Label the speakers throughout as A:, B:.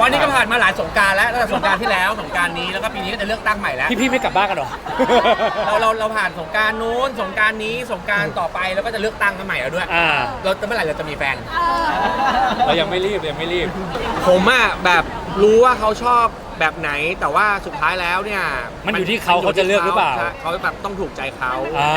A: ว่านี่ก็ผ่านมาหลายสงกรานต์แล้วตั้งแต่สงกรานต์ที่แล้วสงกรานต์นี้แล้วก็ปีนี้ก็จะเลือกตั้งใหม่แล้ว
B: พี่ไม่กลับบ้านกันหรอ
A: เราผ่านสงกรานต์นู้นสงกรานต์นี้สงกรานต์ต่อไปแล้วก็จะเลือกตั้งกันใหม่แล้วด้วยเราจะเมื่อไหร่เราจะมีแฟน
B: เรายังไม่รีบ
A: ผมอะแบบรู้ว่าเขาชอบแบบไหนแต่ว่าสุดท้ายแล้วเนี่ย
B: มันอยู่ที่เขาจะเลือกหรือเปล่า
A: เขาแบบต้องถูกใจเขา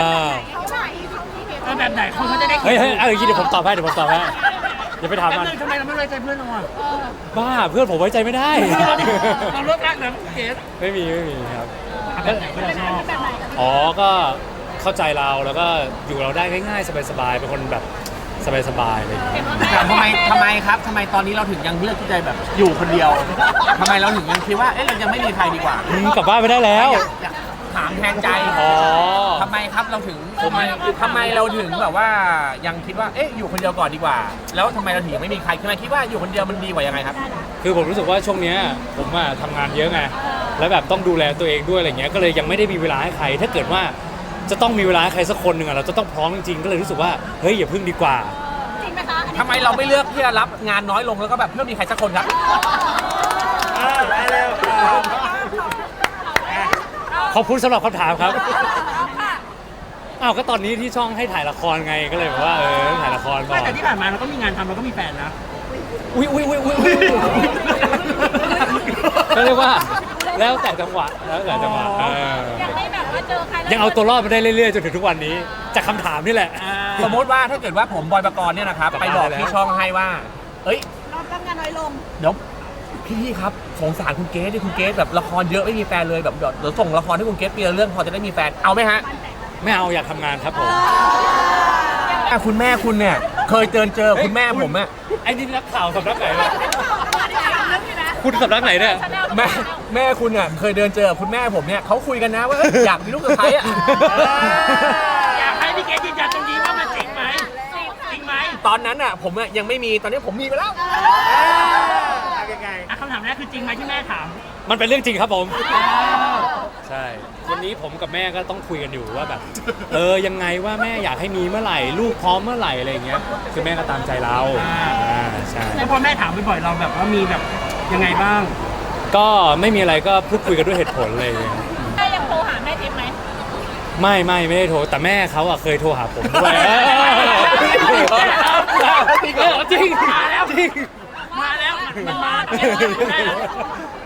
C: แบบไหนเขาจะได้
B: เฮ้ยเดี๋ยวผมตอบให้อย่าไปถามมัน
C: ทำไมเราไม่ไว้ใจเพื่อนเราอ่ะ
B: บ้าเพื่อนผมไว้ใจไม่ได้
C: เราเลือกรักนะเกส
B: ไม่มีครับ
C: แบบไหนก็ชอบ
B: อ๋อก็เข้าใจเราแล้วก็อยู่เราได้ง่ายๆสบายๆเป็นคนแบบสบายๆเลย
A: แต่ทำไมครับทำไมตอนนี้เราถึงยังเลือกที่จะแบบอยู่คนเดียวทำไมเราถึงยังคิดว่าเรายังไม่มีใครดีกว่า
B: กลับบ้านไม่ได้แล้ว
A: ถามแทนใจทำไมครับเราถึงทำไมเราถึงแบบว่ายังคิดว่าอยู่คนเดียวก่อนดีกว่าแล้วทำไมเราถึงยังไม่มีใครทำไมคิดว่าอยู่คนเดียวมันดีกว่ายังไงครับ
B: คือผมรู้สึกว่าช่วงนี้ผมทำงานเยอะไงแล้วแบบต้องดูแลตัวเองด้วยอะไรเงี้ยก็เลยยังไม่ได้มีเวลาให้ใครถ้าเกิดว่าจะต้องมีเวลาให้ใครสักคนหนึ่งเราจะต้องพร้อมจริงๆก็เลยรู้สึกว่าเฮ้ยอย่าพึ่งดีกว่า
D: จริงไหมคะ
A: ทำไมเราไม่เลือกที่จะรับงานน้อยลงแล้วก็แบบเพื่อมีใครสักคนครับ
B: ขอบคุณสำหรับคำถามครับก็ตอนนี้ที่ช่องให้ถ่ายละครไงก็เลยแบบว่าถ่ายละครก่อน
C: แต่ที่ผ่านมาเราก็มีงานทำเราก็มีแฟนนะ
B: อุ้ยก็เรียกว่าแล้วแต่จังหวะ
D: ยังไม่แบบว่าเจอใคร
B: ยังเอาตัวรอดมาได้เรื่อยๆจนถึงทุกวันนี้จากคำถามนี่แหละ
A: สมมติว่าถ้าเกิดว่าผมบอยปกรณ์เนี่ยนะครับไปบอกที่ช่องให้ว่า
D: รับงานน้อยลง
A: เดี๋ยวพี่ครับสงสารคุณเกสที่คุณเกสแบบละครเยอะไม่มีแฟนเลยแบบเดี๋ยวส่งละครให้คุณเกสปีละเรื่องพอจะได้มีแฟนเอาไหมฮะ
B: ไม่เอาอยากทำงานครับผม
A: คุณแม่คุณเนี่ยเคยเจอคุณแม่ผมอะ
B: ไอ้นี่นักข่าวสำนักไหนเนี่ยคุณสำนักไหนเนี่ย
A: แม่คุณเนี่ยเคยเจอคุณแม่ผมเนี่ยเขาคุยกันนะว่าอยากมีลูกสะใภ้อะ
C: อยากให้พี่เกสยืนยันตรงนี้ว่ามันจริงไหม
A: ตอนนั้นอะผมยังไม่มีตอนนี้ผมมีไปแล้ว
C: ยังไงคำถามแรกคือจริงไหมที่แม่ถาม
B: มันเป็นเรื่องจริงครับผมใช่วันนี้ผมกับแม่ก็ต้องคุยกันอยู่ว่าแบบยังไงว่าแม่อยากให้มีเมื่อไหร่ลูกพร้อมเมื่อไหร่อะไรอย่างเงี้ยคือแม่ก็ตามใจเราใช่
C: แล้วพอแม่ถามบ่อยๆเราแบบว่ามีแบบยังไงบ้าง
B: ก็ไม่มีอะไรก็พูดคุยกันด้วยเหตุผลเลย
D: แม่ยังโทรหาแม่ทิพย์ไหม
B: ไม่ได้โทรแต่แม่เขาเคยโทรหาผมด้วยจริง
C: มาแล้วมันมา